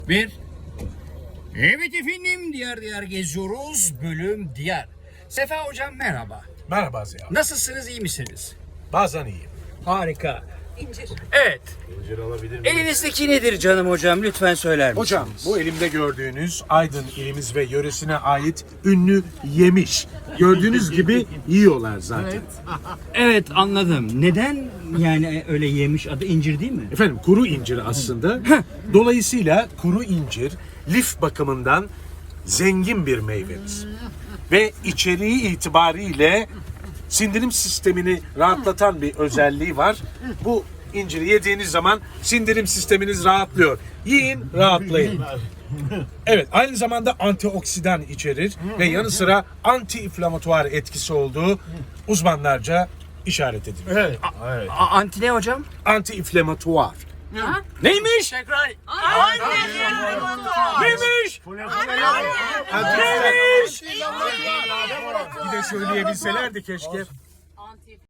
Bir. Evet efendim, diğer geziyoruz. Bölüm diğer. Sefa hocam merhaba. Merhaba Ziya. Nasılsınız, iyi misiniz? Bazen iyiyim. Harika. İncir. Evet. İncir alabilir miyim? Elinizdeki nedir canım hocam? Lütfen söyler misiniz? Hocam bu elimde gördüğünüz Aydın ilimiz ve yöresine ait ünlü yemiş. Gördüğünüz gibi yiyorlar zaten. Evet, anladım. Neden yani öyle yemiş, adı incir değil mi? Efendim kuru incir aslında. Dolayısıyla kuru incir lif bakımından zengin bir meyvemiz. Ve içeriği itibariyle sindirim sistemini rahatlatan bir özelliği var. Bu inciri yediğiniz zaman sindirim sisteminiz rahatlıyor. Yiyin, rahatlayın. Evet, aynı zamanda antioksidan içerir ve yanı sıra anti-inflamatuar etkisi olduğu uzmanlarca işaret edilir. Evet. Anti ne hocam? Anti-inflamatuar. Neymiş? Tekrar. Neymiş? Neymiş? Bir de söyleyebilselerdi keşke.